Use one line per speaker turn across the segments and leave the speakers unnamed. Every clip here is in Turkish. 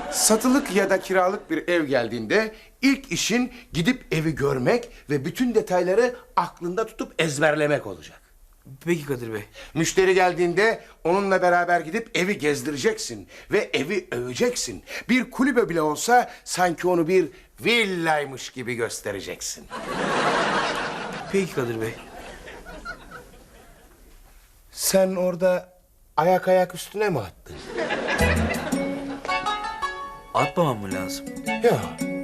Satılık ya da kiralık bir ev geldiğinde ilk işin gidip evi görmek ve bütün detayları aklında tutup ezberlemek olacak.
Peki Kadir Bey.
Müşteri geldiğinde onunla beraber gidip evi gezdireceksin ve evi öveceksin. Bir kulübe bile olsa sanki onu bir villaymış gibi göstereceksin.
Peki Kadir Bey.
Sen orada ayak üstüne mi attın?
Atmamam mı lazım?
Yok.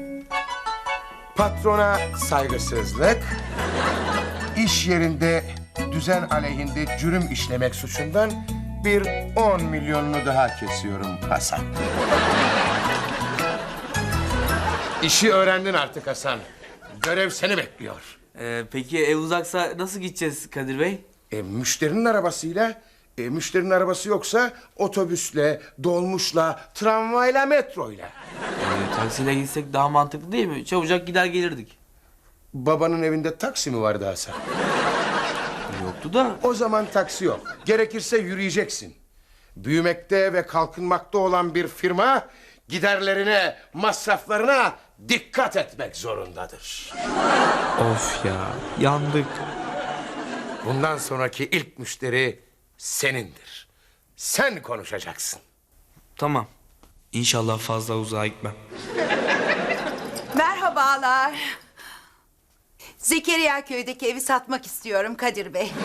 Patrona saygısızlık, iş yerinde düzen aleyhinde cürüm işlemek suçundan bir 10 milyonunu daha kesiyorum Hasan. İşi öğrendin artık Hasan. Görev seni bekliyor.
Peki ev uzaksa nasıl gideceğiz Kadir Bey?
Müşterinin arabasıyla, müşterinin arabası yoksa otobüsle, dolmuşla, tramvayla, metroyla.
Taksiyle gitsek daha mantıklı değil mi? Çabucak gider gelirdik.
Babanın evinde taksi mi vardı Hasan?
Yoktu da.
O zaman taksi yok. Gerekirse yürüyeceksin. Büyümekte ve kalkınmakta olan bir firma giderlerine, masraflarına dikkat etmek zorundadır.
Of ya, yandık.
Bundan sonraki ilk müşteri senindir. Sen konuşacaksın.
Tamam. İnşallah fazla uzağa gitmem.
Merhabalar. Zekeriya köydeki evi satmak istiyorum Kadir Bey.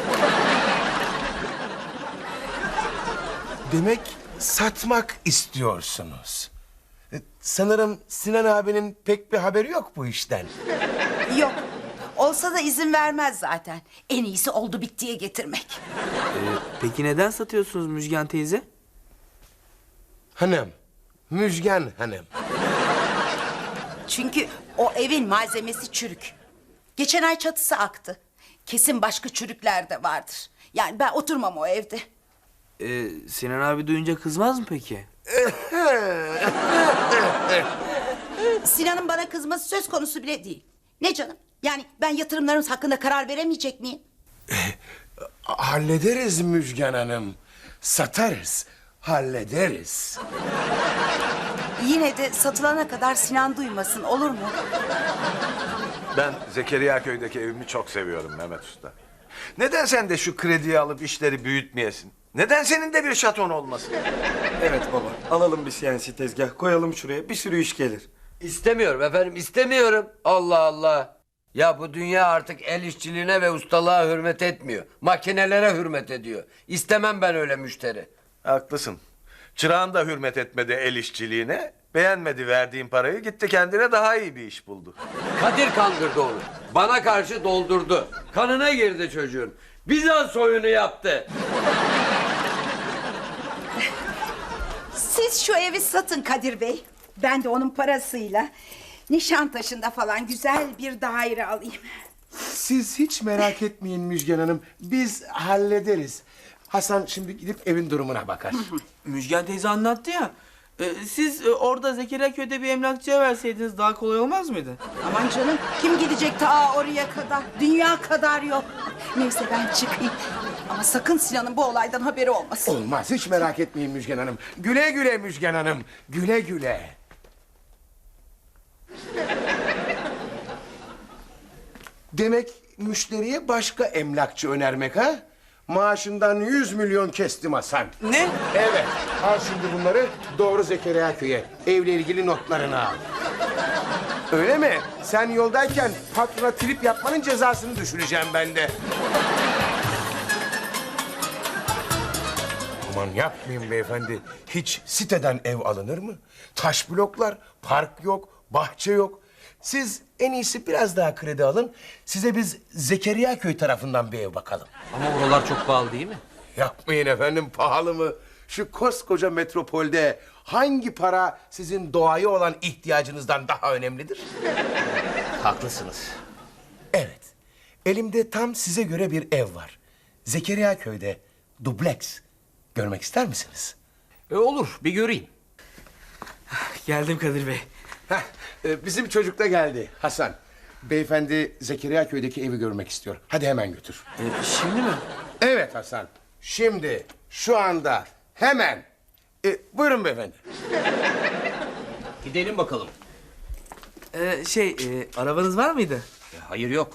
Demek satmak istiyorsunuz. Sanırım Sinan abinin pek bir haberi yok bu işten.
Yok. Olsa da izin vermez zaten. En iyisi oldu bittiye getirmek.
Peki neden satıyorsunuz Müjgan teyze?
Hanım, Müjgan hanım.
Çünkü o evin malzemesi çürük. Geçen ay çatısı aktı. Kesin başka çürükler de vardır. Yani ben oturmam o evde.
Sinan abi duyunca kızmaz mı peki?
Sinan'ın bana kızması söz konusu bile değil. Ne canım? Yani ben yatırımlarımız hakkında karar veremeyecek miyim?
Hallederiz Müjgan hanım. Satarız, hallederiz.
Yine de satılana kadar Sinan duymasın, olur mu?
Ben Zekeriya köydeki evimi çok seviyorum Mehmet Usta. Neden sen de şu krediyi alıp işleri büyütmeyesin? Neden senin de bir şaton olmasın?
Evet baba. Alalım bir CNC tezgah. Koyalım şuraya. Bir sürü iş gelir.
İstemiyorum efendim, istemiyorum. Allah Allah. Ya bu dünya artık el işçiliğine ve ustalığa hürmet etmiyor. Makinelere hürmet ediyor. İstemem ben öyle müşteri.
Haklısın. Çırağın da hürmet etmedi el işçiliğine. Beğenmedi verdiğin parayı. Gitti kendine daha iyi bir iş buldu.
Kadir kandırdı onu. Bana karşı doldurdu. Kanına girdi çocuğun. Bizans oyunu yaptı.
Siz şu evi satın Kadir Bey. Ben de onun parasıyla Nişantaşı'nda falan güzel bir daire alayım.
Siz hiç merak etmeyin Müjgan hanım. Biz hallederiz. Hasan şimdi gidip evin durumuna bakar.
Müjgan teyze anlattı ya. Siz orada Zekeriya köyde bir emlakçıya verseydiniz daha kolay olmaz mıydı?
Aman canım, kim gidecek ta oraya kadar? Dünya kadar yok. Neyse ben çıkayım. Ama sakın Sinan'ın bu olaydan haberi olmasın.
Olmaz, hiç merak etmeyin Müjgan hanım. Güle güle Müjgan hanım, güle güle. Demek müşteriye başka emlakçı önermek ha? Maaşından 100 milyon kestim Hasan.
Ne?
Evet, al şimdi bunları doğru Zekeriya köy'e. Evle ilgili notlarını al. Öyle mi? Sen yoldayken patrona trip yapmanın cezasını düşüreceğim ben de. Aman yapmayın beyefendi. Hiç siteden ev alınır mı? Taş bloklar, park yok, bahçe yok. Siz en iyisi biraz daha kredi alın. Size biz Zekeriya köy tarafından bir ev bakalım.
Ama oralar çok pahalı değil mi?
Yapmayın efendim, pahalı mı? Şu koskoca metropolde hangi para sizin doğaya olan ihtiyacınızdan daha önemlidir?
Haklısınız.
Evet, elimde tam size göre bir ev var. Zekeriya köyde, dubleks. Görmek ister misiniz?
Olur, bir göreyim.
Geldim Kadir Bey.
Heh, bizim çocuk da geldi Hasan. Beyefendi Zekeriya köydeki evi görmek istiyor. Hadi hemen götür.
Şimdi mi?
Evet Hasan. Şimdi, şu anda, hemen. Buyurun beyefendi.
Gidelim bakalım.
Arabanız var mıydı?
Hayır yok.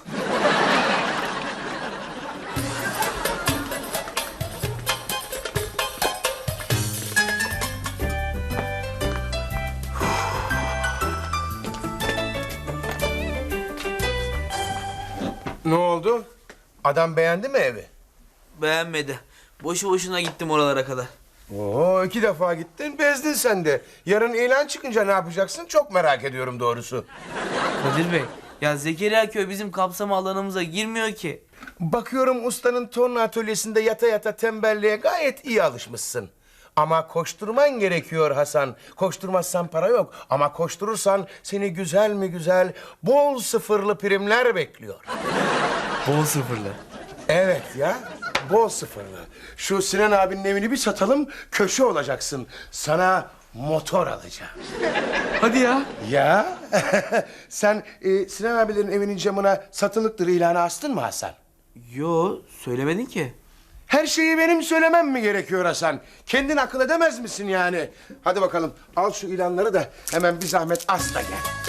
Ne oldu? Adam beğendi mi evi?
Beğenmedi. Boşu boşuna gittim oralara kadar.
Oo, 2 defa gittin, bezdin sen de. Yarın ilan çıkınca ne yapacaksın? Çok merak ediyorum doğrusu.
Kadir Bey, ya Zekeriya köy bizim kapsam alanımıza girmiyor ki.
Bakıyorum ustanın torna atölyesinde yata yata tembelliğe gayet iyi alışmışsın. Ama koşturman gerekiyor Hasan. Koşturmazsan para yok. Ama koşturursan seni güzel mi güzel bol sıfırlı primler bekliyor.
Bol sıfırlı.
Evet ya, bol sıfırlı. Şu Sinan abinin evini bir satalım, köşe olacaksın. Sana motor alacağım.
Hadi ya.
Ya, sen Sinan abilerin evinin camına satılıktır ilanı astın mı Hasan?
Yo, söylemedin ki.
Her şeyi benim söylemem mi gerekiyor Hasan? Kendin akıl edemez misin yani? Hadi bakalım, al şu ilanları da hemen bir zahmet as da gel.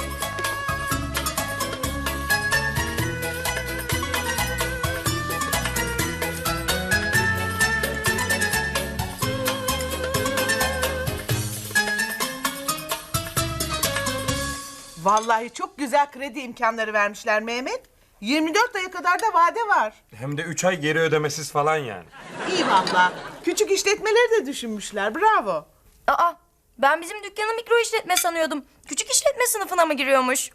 Vallahi çok güzel kredi imkanları vermişler Mehmet. 24 aya kadar da vade var.
Hem de 3 ay geri ödemesiz falan yani.
İyi vallahi. Küçük işletmeleri de düşünmüşler. Bravo.
Aa, ben bizim dükkanı mikro işletme sanıyordum. Küçük işletme sınıfına mı giriyormuş?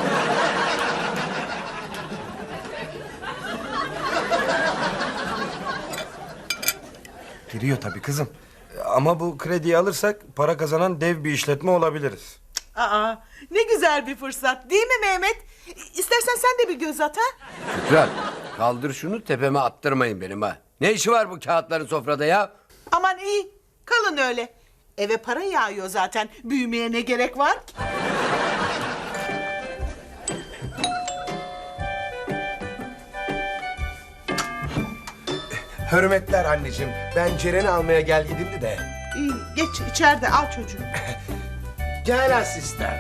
Giriyor tabii kızım. Ama bu krediyi alırsak para kazanan dev bir işletme olabiliriz.
Aa, ne güzel bir fırsat değil mi Mehmet? İstersen sen de bir göz at ha.
Şükran, kaldır şunu tepeme attırmayın benim ha. Ne işi var bu kağıtların sofrada ya?
Aman iyi. Kalın öyle. Eve para yağıyor zaten. Büyümeye ne gerek var ki?
Hürmetler anneciğim, ben Ceren'i almaya gel gidimdi de.
İyi, geç içeride al çocuğu.
Gel asistan.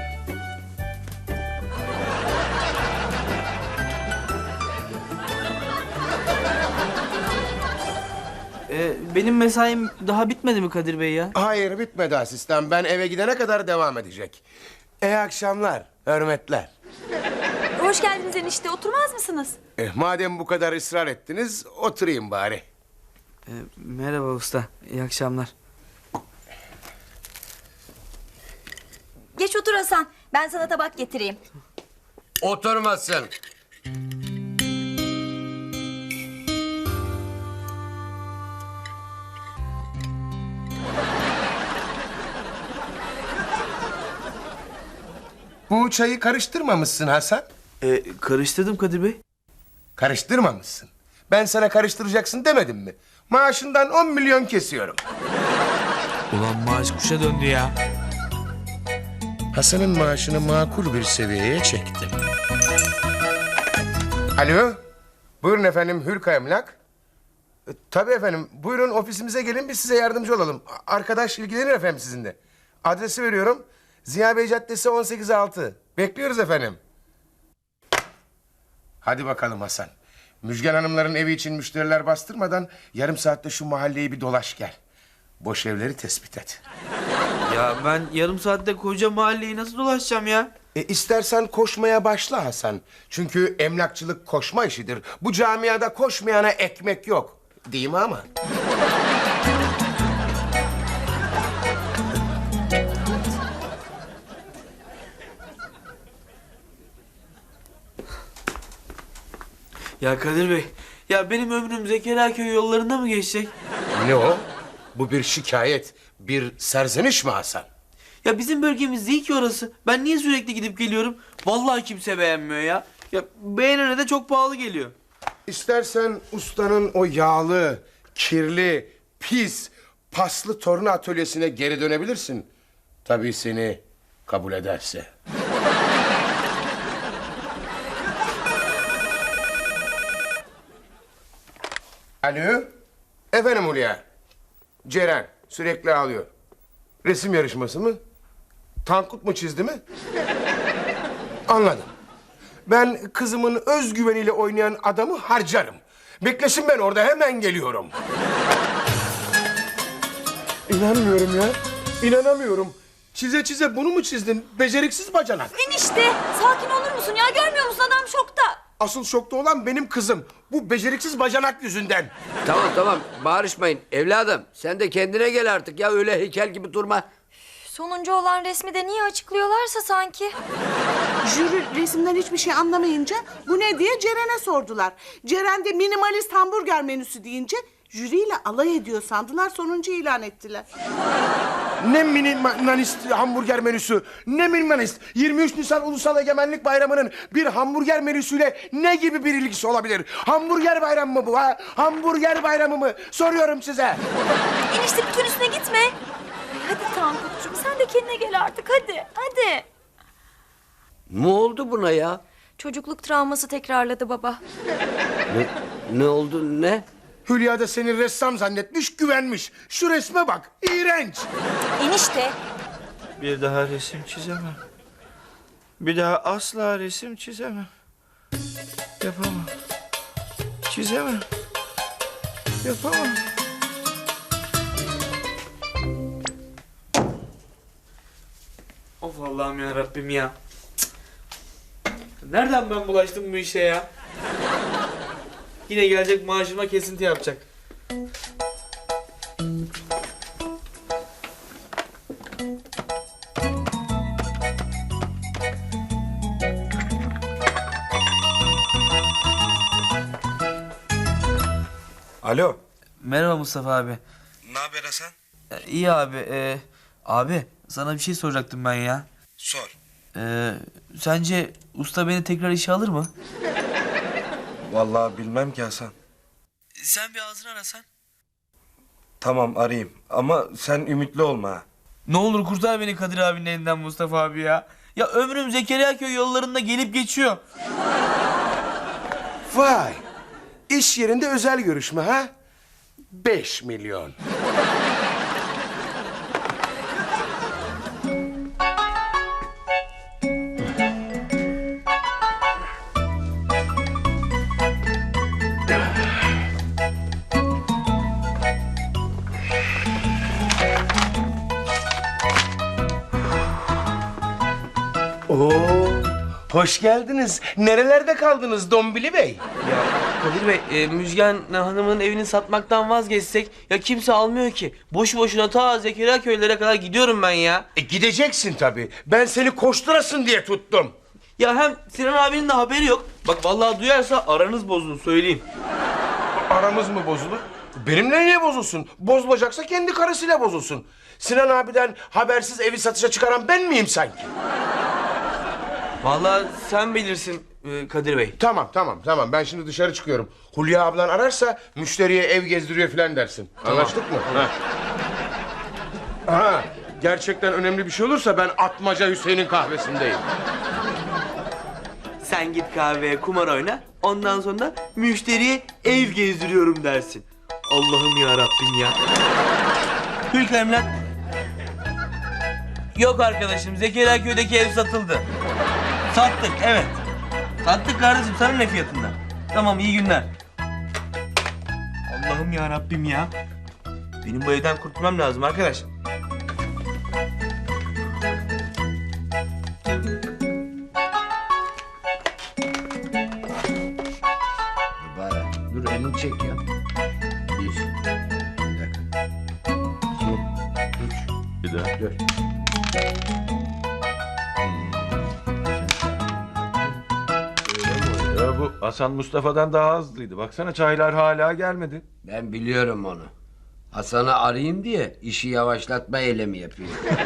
Benim mesaim daha bitmedi mi Kadir Bey ya?
Hayır, bitmedi asistan. Ben eve gidene kadar devam edecek. İyi akşamlar, hürmetler.
Hoş geldiniz enişte. Oturmaz mısınız?
Madem bu kadar ısrar ettiniz, oturayım bari.
Merhaba usta, iyi akşamlar.
Geç otur Hasan. Ben sana tabak getireyim.
Oturmasın.
Bu çayı karıştırmamışsın Hasan.
Karıştırdım Kadir Bey.
Karıştırmamışsın. Ben sana karıştıracaksın demedim mi? Maaşından 10 milyon kesiyorum.
Ulan maaş kuşa döndü ya.
Hasan'ın maaşını makul bir seviyeye çektim. Alo. Buyurun efendim, Hürka Emlak. Tabii efendim, buyurun ofisimize gelin, biz size yardımcı olalım. Arkadaş ilgilenir efendim sizinle. Adresi veriyorum. Ziya Bey Caddesi 18-6. Bekliyoruz efendim. Hadi bakalım Hasan. Müjgan Hanımların evi için müşteriler bastırmadan yarım saatte şu mahalleyi bir dolaş gel. Boş evleri tespit et.
Ya ben yarım saatte koca mahalleyi nasıl dolaşacağım ya?
İstersen koşmaya başla Hasan. Çünkü emlakçılık koşma işidir. Bu camiada koşmayana ekmek yok. Değil mi ama?
Ya Kadir Bey, ya benim ömrüm Zekeriya köy yollarında mı geçecek?
Ne o? Bu bir şikayet, bir serzeniş mi Hasan?
Ya bizim bölgemiz değil ki orası. Ben niye sürekli gidip geliyorum? Vallahi kimse beğenmiyor ya. Ya beğenene de çok pahalı geliyor.
İstersen ustanın o yağlı, kirli, pis, paslı torna atölyesine geri dönebilirsin. Tabii seni kabul ederse. Alo? Efendim Hulya. Ceren sürekli ağlıyor. Resim yarışması mı? Tankut mu çizdi mi? Anladım. Ben kızımın özgüveniyle oynayan adamı harcarım. Beklesin, ben orada hemen geliyorum. İnanmıyorum ya. İnanamıyorum. Çize çize bunu mu çizdin? Beceriksiz bacanak.
Enişte sakin olur musun ya? Görmüyor musun adam şokta?
Asıl şokta olan benim kızım. Bu beceriksiz bacanak yüzünden.
Tamam bağırışmayın. Evladım sen de kendine gel artık ya, öyle heykel gibi durma.
Sonuncu olan resmi de niye açıklıyorlarsa sanki.
Jüri resimden hiçbir şey anlamayınca bu ne diye Ceren'e sordular. Ceren de minimalist hamburger menüsü deyince jüriyle alay ediyor sandılar, sonuncu ilan ettiler.
Ne minimalist hamburger menüsü, ne minimalist. 23 Nisan Ulusal Egemenlik Bayramı'nın bir hamburger menüsüyle ne gibi bir ilgisi olabilir? Hamburger bayramı mı bu ha? Hamburger bayramı mı? Soruyorum size.
Enişte bütün üstüne gitme. Hadi Tankut'cum sen de kendine gel artık hadi. Hadi.
Ne oldu buna ya?
Çocukluk travması tekrarladı baba.
Ne oldu ne?
Hülya da seni ressam zannetmiş, güvenmiş. Şu resme bak, iğrenç.
Enişte.
Bir daha resim çizemem. Bir daha asla resim çizemem. Yapamam. Çizemem. Yapamam. Of Allah'ım ya Rabbim ya. Cık. Nereden ben bulaştım bu işe ya? Yine gelecek maaşıma kesinti yapacak.
Alo.
Merhaba Mustafa abi.
Ne haber Hasan?
İyi abi. Abi sana bir şey soracaktım ben ya.
Sor.
Sence usta beni tekrar işe alır mı?
Vallahi bilmem ki Hasan.
Sen bir ağzını arasan.
Tamam arayayım ama sen ümitli olma ha.
Ne olur kurtar beni Kadir abinin elinden Mustafa abi ya. Ya ömrüm Zekeriya köy yollarında gelip geçiyor.
Vay, iş yerinde özel görüşme ha? 5 milyon. Oo, hoş geldiniz. Nerelerde kaldınız Dombili Bey?
Ya Kadir Bey, Müjgan Hanım'ın evini satmaktan vazgeçsek ya kimse almıyor ki. Boşu boşuna ta Zekeriya köylere kadar gidiyorum ben ya.
Gideceksin tabii. Ben seni koşturasın diye tuttum.
Ya hem Sinan abinin de haberi yok. Bak vallahi duyarsa aranız bozulur söyleyeyim.
Aramız mı bozulur? Benimle niye bozulsun? Bozulacaksa kendi karısıyla bozulsun. Sinan abiden habersiz evi satışa çıkaran ben miyim sanki?
Vallahi sen bilirsin Kadir Bey.
Tamam. Ben şimdi dışarı çıkıyorum. Hulya ablan ararsa müşteriye ev gezdiriyor falan dersin. Anlaştık mı? Ha, gerçekten önemli bir şey olursa ben Atmaca Hüseyin'in kahvesindeyim.
Sen git kahveye kumar oyna. Ondan sonra müşteriye ev gezdiriyorum dersin. Allah'ım ya Rabbim ya. Hülka emlak. Yok arkadaşım, Zekeriya köydeki ev satıldı. Sattık, evet. Sattık kardeşim, sana ne fiyatından? Tamam, iyi günler. Allah'ım ya Rabbim ya. Benim bu evden kurtulmam lazım arkadaş.
Mübarek. Dur elini çek ya. Bir dakika. İki, üç,
Bir daha.
dört.
Ya bu Hasan Mustafa'dan daha hızlıydı. Baksana çaylar hala gelmedi.
Ben biliyorum onu. Hasan'ı arayayım diye işi yavaşlatma eylemi yapıyor.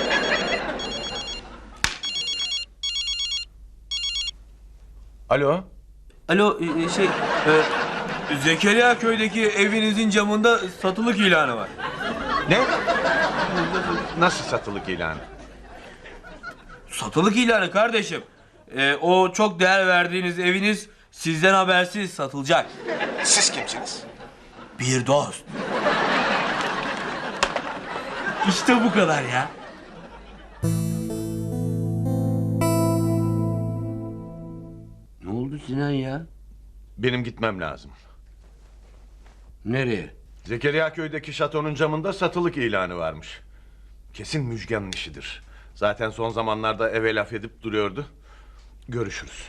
Alo.
Alo, Zekeriya köydeki evinizin camında satılık ilanı var.
Ne? Nasıl satılık ilanı?
Satılık ilanı kardeşim. O çok değer verdiğiniz eviniz sizden habersiz satılacak.
Siz kimsiniz?
Bir dost. İşte bu kadar ya.
Sinan ya?
Benim gitmem lazım.
Nereye?
Zekeriya köydeki şatonun camında satılık ilanı varmış. Kesin Müjgan'ın işidir. Zaten son zamanlarda eve laf edip duruyordu. Görüşürüz.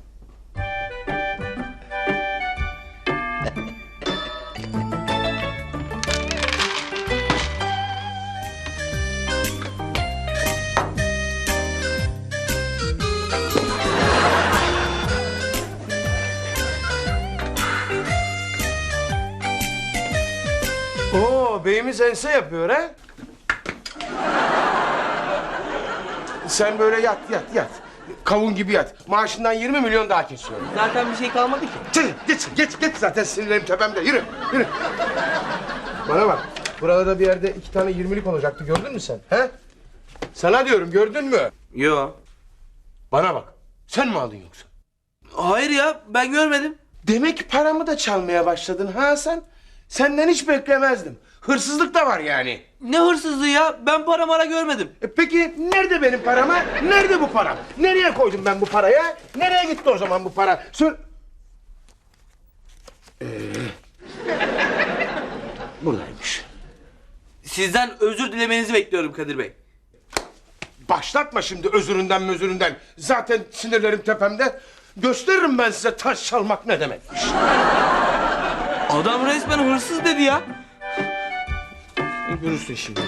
Oo, beyimiz ense yapıyor ha? Sen böyle yat, yat, yat. Kavun gibi yat. Maaşından 20 milyon daha kesiyorum.
Zaten bir şey kalmadı ki.
Geç zaten sinirlerim tepemde. Yürü, yürü. Bana bak, buralarda bir yerde 2 tane 20'lik olacaktı. Gördün mü sen? He? Sana diyorum, gördün mü?
Yo.
Bana bak, sen mi aldın yoksa?
Hayır ya, ben görmedim.
Demek paramı da çalmaya başladın ha sen? Senden hiç beklemezdim. Hırsızlık da var yani.
Ne hırsızlığı ya? Ben para mara görmedim.
Peki nerede benim param ha? Nerede bu param? Nereye koydum ben bu parayı? Nereye gitti o zaman bu para? Buradaymış.
Sizden özür dilemenizi bekliyorum Kadir Bey.
Başlatma şimdi özüründen. Zaten sinirlerim tepemde. Gösteririm ben size taş çalmak ne demekmiş.
Adam resmen hırsız dedi ya.
Görürsün şimdi.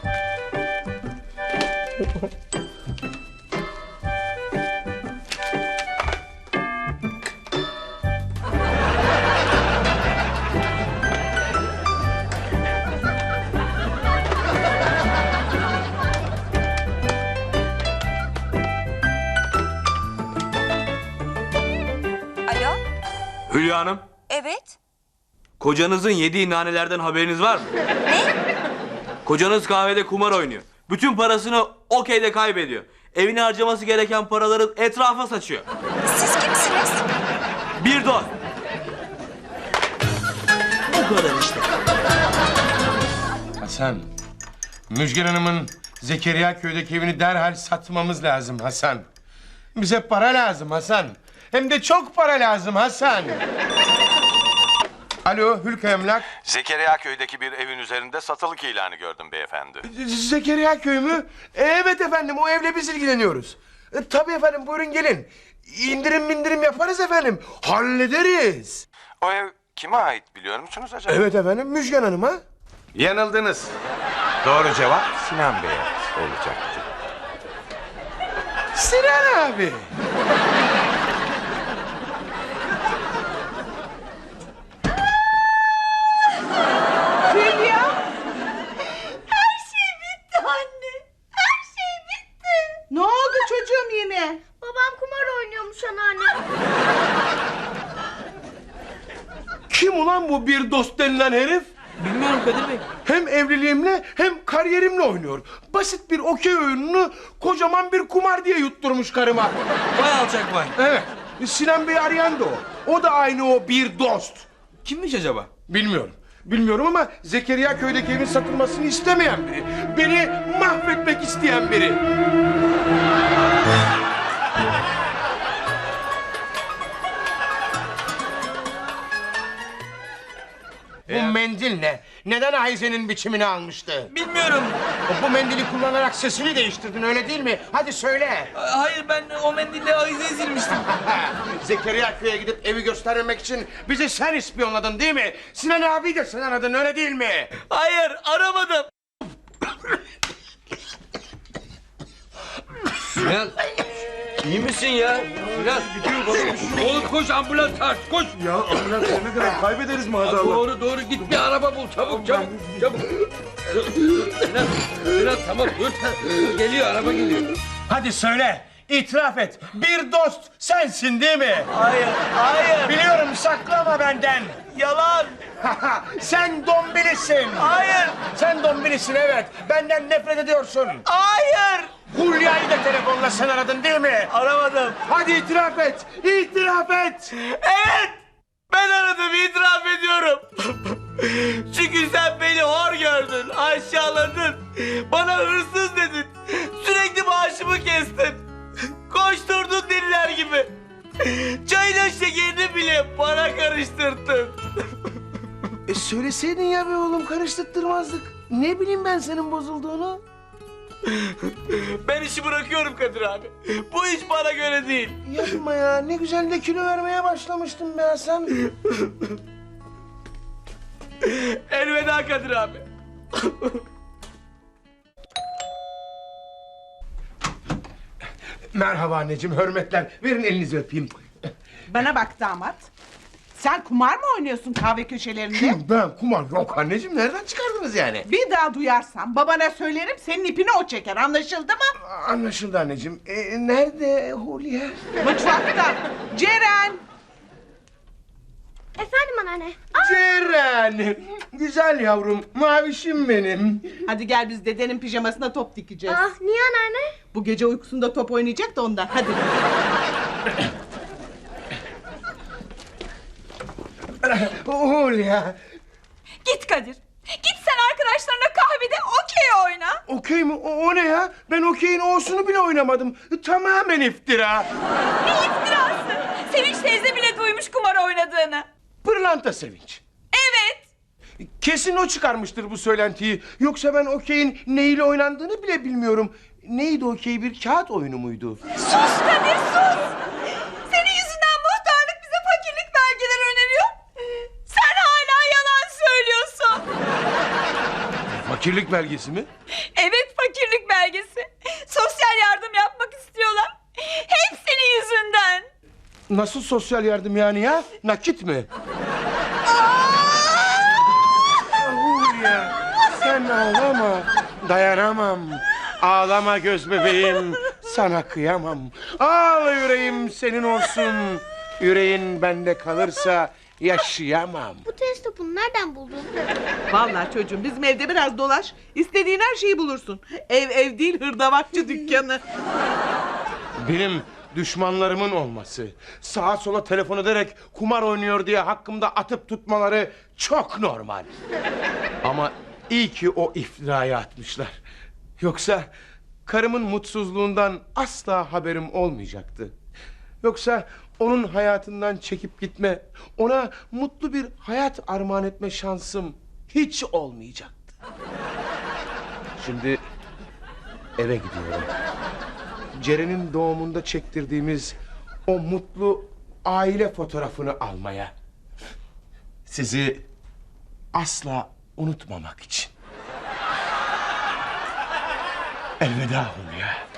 Alo?
Hülya Hanım,
Evet.
kocanızın yediği nanelerden haberiniz var mı?
Ne?
Kocanız kahvede kumar oynuyor. Bütün parasını okeyde kaybediyor. Evine harcaması gereken paraları etrafa saçıyor.
Siz kimsiniz?
Bir dost. O kadar işte.
Hasan, Müjgan Hanım'ın Zekeriya köydeki evini derhal satmamız lazım Hasan. Bize para lazım Hasan. Hem de çok para lazım Hasan. Alo, Hülka Emlak.
Zekeriya köydeki bir evin üzerinde satılık ilanı gördüm beyefendi.
Zekeriya köy mü? Evet efendim, o evle biz ilgileniyoruz. Tabii efendim, buyurun gelin. İndirim yaparız efendim. Hallederiz.
O ev kime ait biliyor musunuz acaba?
Evet efendim, Müjgan Hanım'a.
Yanıldınız. Doğru cevap Sinan Bey'e olacaktı.
Sinan abi.
Hülya!
Her şey bitti anne. Her şey bitti.
Ne oldu çocuğum yine?
Babam kumar oynuyormuş anneanne.
Kim ulan bu bir dost denilen herif?
Bilmiyorum Kadir Bey.
Hem evliliğimle hem kariyerimle oynuyor. Basit bir okey oyununu kocaman bir kumar diye yutturmuş karıma.
Vay alçak vay.
Evet, Sinan Bey arayan da o. O da aynı o bir dost.
Kimmiş acaba?
Bilmiyorum ama Zekeriya köydeki evin satılmasını istemeyen biri. Beni mahvetmek isteyen biri. Bu mendil ne? Neden Ayzen'in biçimini almıştı?
Bilmiyorum.
Bu mendili kullanarak sesini değiştirdin, öyle değil mi? Hadi söyle.
Hayır, ben o mendille avizeyi silmiştim.
Zekeriya köye gidip evi göstermemek için bizi sen ispiyonladın değil mi? Sinan abi de sen aradın, öyle değil mi?
Hayır, aramadım.
Sinan, iyi misin ya? Sinan, oğlum koş ambulans çağır, koş.
Ya ambulans ne kadar kaybederiz maazallah.
Doğru git bir araba bul, çabuk. Sinan tamam dur. Geliyor, araba geliyor.
Hadi söyle, itiraf et. Bir dost sensin değil mi?
Hayır.
Biliyorum, saklama benden.
Yalan.
Sen dombilisin.
Hayır.
Sen dombilisin, evet. Benden nefret ediyorsun.
Hayır.
Hulya'yı da telefonla sen aradın değil mi?
Aramadım.
Hadi itiraf et. İtiraf et.
Evet. Ben aradım, itiraf ediyorum. Çünkü sen beni hor gördün, aşağıladın. Bana hırsız dedin. Sürekli maaşımı kestin. Koşturdun deliler gibi. Çayla şekerini bile bana karıştırdın.
Söyleseydin ya be oğlum, karıştırtmazdık. Ne bileyim ben senin bozulduğunu.
Ben işi bırakıyorum Kadir abi. Bu iş bana göre değil.
Yapma ya, ne güzel de kilo vermeye başlamıştın be Hasan.
Elveda Kadir abi.
Merhaba anneciğim, hürmetler. Verin elinizi öpeyim.
Bana bak damat. Sen kumar mı oynuyorsun kahve köşelerinde?
Ben kumar yok anneciğim, nereden çıkardınız yani?
Bir daha duyarsam babana söylerim, senin ipini o çeker, anlaşıldı mı?
Anlaşıldı anneciğim. Nerede Hulya?
Mutfakta. Ceren!
Efendim anneanne.
Ceren! Güzel yavrum, mavişim benim.
Hadi gel, biz dedenin pijamasına top dikeceğiz.
Niye anneanne?
Bu gece uykusunda top oynayacak da ondan, hadi.
Hulya!
Git Kadir. Git sen arkadaşlarına kahvede okey oyna.
Okey mi? O ne ya? Ben okeyin o'sunu bile oynamadım. Tamamen iftira.
Ne iftirası? Sevinç teyze bile duymuş kumar oynadığını.
Pırlanta Sevinç.
Evet.
Kesin o çıkarmıştır bu söylentiyi. Yoksa ben okeyin neyle oynandığını bile bilmiyorum. Neydi okey, bir kağıt oyunu muydu?
Sus Kadir sus. Senin yüzünden muhtarlık bize fakirlik belgeleri öneriyor. Sen hala yalan söylüyorsun.
Fakirlik belgesi mi?
Evet, fakirlik belgesi. Sosyal yardım yapmak istiyorlar. Hep senin yüzünden.
Nasıl sosyal yardım yani ya? Nakit mi? Hulya, sen ağlama. Dayanamam. Ağlama göz bebeğim. Sana kıyamam. Ağla yüreğim senin olsun. Yüreğin bende kalırsa yaşayamam.
Bu tenis topunu nereden buldun?
Vallahi çocuğum, bizim evde biraz dolaş. İstediğin her şeyi bulursun. Ev değil, hırdavatçı dükkanı.
Benim düşmanlarımın olması, sağa sola telefon ederek kumar oynuyor diye hakkımda atıp tutmaları çok normal. Ama iyi ki o iftirayı atmışlar. Yoksa karımın mutsuzluğundan asla haberim olmayacaktı. Yoksa onun hayatından çekip gitme, ona mutlu bir hayat armağan etme şansım hiç olmayacaktı. Şimdi eve gidiyorum. Ceren'in doğumunda çektirdiğimiz o mutlu aile fotoğrafını almaya. Sizi asla unutmamak için. Elveda Hulya.